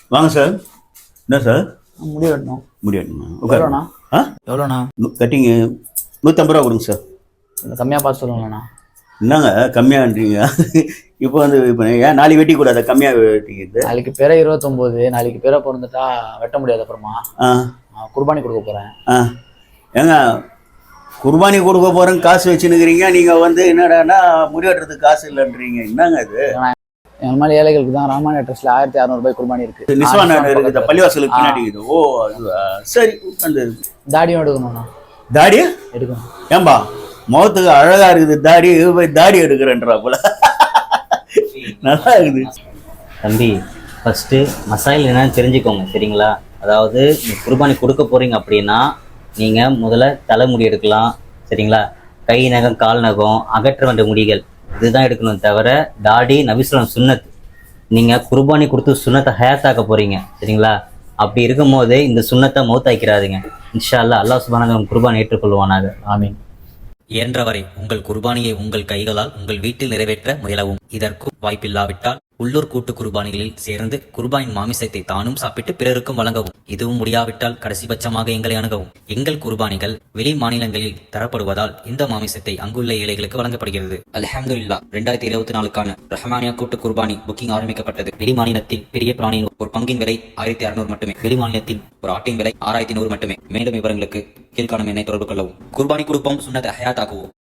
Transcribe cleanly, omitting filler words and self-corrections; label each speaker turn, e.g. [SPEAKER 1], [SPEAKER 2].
[SPEAKER 1] வாங்க சார். என்ன சார்?
[SPEAKER 2] முடி வெட்டணும்.
[SPEAKER 1] முடி வெட்டணுமா?
[SPEAKER 2] எவ்வளோண்ணா?
[SPEAKER 1] ஆ,
[SPEAKER 2] எவ்வளோண்ணா?
[SPEAKER 1] கட்டிங்கு 150 ரூபா கொடுங்க சார்.
[SPEAKER 2] கம்மியாக பார்த்து சொல்லுங்களேண்ணா.
[SPEAKER 1] என்னங்க கம்மியான்றீங்க? இப்போ இப்போ ஏன் நாளைக்கு வெட்டி கூடாது? கம்மியாக வெட்டிக்கிறது.
[SPEAKER 2] நாளைக்கு பிற 29, நாளைக்கு பிற பிறந்துட்டா வெட்ட முடியாது. அப்புறமா குர்பானி கொடுக்க போகிறேன்.
[SPEAKER 1] ஏங்க குர்பானி கொடுக்க போகிறேன்னு காசு வச்சுன்னுக்கிறீங்க, நீங்கள் என்னடான்னா முடி வெட்டுறதுக்கு காசு இல்லைன்றீங்க. என்னங்க இது?
[SPEAKER 2] எங்கள் மாதிரி ஏழைகளுக்கு தான் ராமாயண ட்ரெஸ்ல 1600 ரூபாய் குர்பானி இருக்கு.
[SPEAKER 1] நிஸ்வான் இருக்குது, பள்ளிவாசலுக்கு பின்னாடி இருக்குது. ஓ அதுவா? சரி. அந்த
[SPEAKER 2] தாடியும் எடுக்கணும்ண்ணா.
[SPEAKER 1] தாடி
[SPEAKER 2] எடுக்கணும்.
[SPEAKER 1] ஏன்பா முகத்துக்கு அழகா இருக்குது தாடி, போய் தாடி எடுக்கிறேன்றா போல. நல்லா இருக்குது
[SPEAKER 3] தம்பி. ஃபஸ்ட்டு மசாயில் என்னன்னு தெரிஞ்சுக்கோங்க, சரிங்களா? அதாவது குர்பானி கொடுக்க போகிறீங்க அப்படின்னா நீங்கள் முதல்ல தலைமுடி எடுக்கலாம், சரிங்களா? கை நகம், கால் நகம், அகற்ற வேண்டிய முடிகள் இதுதான் எடுக்கணும். தவிர தாடி நபிஸ்லாம் சுன்னத். நீங்கள் குர்பானி கொடுத்து சுன்னத்தை ஹயாத்தாக்க போகிறீங்க, சரிங்களா? அப்படி இருக்கும் போது இந்த சுன்னத்தை மௌத்தாக்கிறாதுங்க. இன்ஷா அல்லாஹ், அல்லாஹ் சுப்ஹானஹு குர்பானி ஏற்றுக்கொள்வானாக. ஆமீன்.
[SPEAKER 4] இயன்றவரை உங்கள் குர்பானியை உங்கள் கைகளால் உங்கள் வீட்டில் நிறைவேற்ற முயலவும். இதற்கும் வாய்ப்பில்லாவிட்டால் உள்ளூர் கூட்டு குர்பானிகளில் சேர்ந்து குர்பானின் மாமிசத்தை தானும் சாப்பிட்டு பிறருக்கும் வழங்கவும். இதுவும் முடியாவிட்டால் கடைசிபட்சமாக எங்களை அணுகவும். எங்கள் குர்பானிகள் வெளி மாநிலங்களில் தரப்படுவதால் இந்த மாமிசத்தை அங்குள்ள ஏழைகளுக்கு வழங்கப்படுகிறது. அல்ஹம்துலில்லாஹ், 2024க்கான ரஹ்மானியா கூட்டு குர்பானி புக்கிங் ஆரம்பிக்கப்பட்டது. வெளி மாநிலத்தில் பெரிய பிராணியின் ஒரு பங்கின் விலை 1600 மட்டுமே. வெளி மாநிலத்தில் ஒரு ஆட்டின் விலை 6100 மட்டுமே. மேலும் விவரங்களுக்கு கீழ்காணும் எண்ணை தொடர்பு கொள்ளவும். குர்பானி கொடுப்போம், சுன்னத்தை ஹயாத்தாக்குவோம்.